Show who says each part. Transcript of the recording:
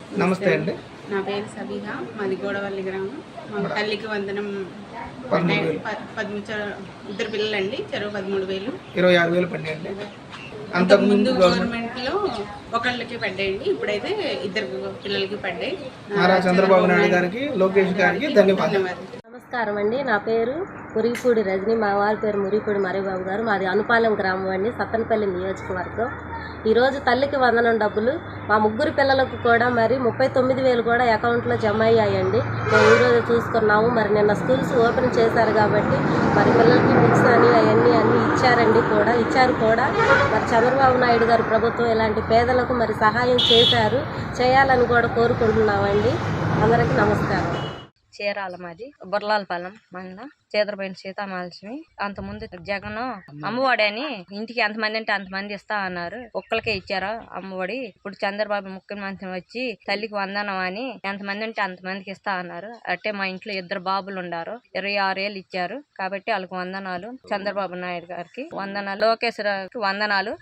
Speaker 1: నమస్తే అండి.
Speaker 2: నా పేరు సబీహా, మాది గోడవల్లి గ్రామం. మా తల్లికి వందనం 13,000 ఇద్దరు పిల్లలండి, చెరువు 13,000.
Speaker 1: 26,000 పడ్డాయండి.
Speaker 2: అంతకుముందు గవర్నమెంట్లో ఒకళ్ళకి పడ్డాయండి, ఇప్పుడైతే ఇద్దరు పిల్లలకి పడ్డాయి.
Speaker 1: నారా చంద్రబాబు నాయుడు గారికి, లోకేష్ గారికి ధన్యవాదాలు.
Speaker 3: నమస్కారం అండి. నా పేరు మురిగిపూడి రజని, మా వారి పేరు మురిగిపూడి మరిబాబు గారు. మాది అనుపాలెం గ్రామం అండి, సత్తనపల్లి నియోజకవర్గం. ఈరోజు తల్లికి వందనం డబ్బులు మా ముగ్గురు పిల్లలకు కూడా మరి 39,000 కూడా అకౌంట్లో జమ అయ్యాయండి. మేము ఈరోజు చూసుకున్నాము. మరి నిన్న స్కూల్స్ ఓపెన్ చేశారు కాబట్టి మరి పిల్లలకి బుక్స్ అని అవన్నీ ఇచ్చారండి, ఇచ్చారు కూడా. మరి చంద్రబాబు నాయుడు గారు ప్రభుత్వం ఇలాంటి పేదలకు మరి సహాయం చేయాలని కూడా కోరుకుంటున్నామండి. అందరికీ నమస్కారం.
Speaker 4: చీరాల మాది బుర్లాలపాలెం మండలం చేదరపోయిన సీతామహాలక్ష్మి. అంతకుముందు జగన్ అమ్మఒడి అని ఇంటికి ఎంతమంది అంటే అంతమంది ఇస్తా అన్నారు, ఒక్కరికే ఇచ్చారు అమ్మఒడి. ఇప్పుడు చంద్రబాబు ముఖ్యమంత్రి వచ్చి తల్లికి వందనం అని ఎంతమంది అంటే అంతమందికి ఇస్తా అన్నారు. అంటే మా ఇంట్లో ఇద్దరు బాబులు ఉన్నారు, 26 ఏళ్ళు ఇచ్చారు కాబట్టి వాళ్ళకి వందనాలు. చంద్రబాబు నాయుడు గారికి వందనాలు, లోకేష్ వందనాలు.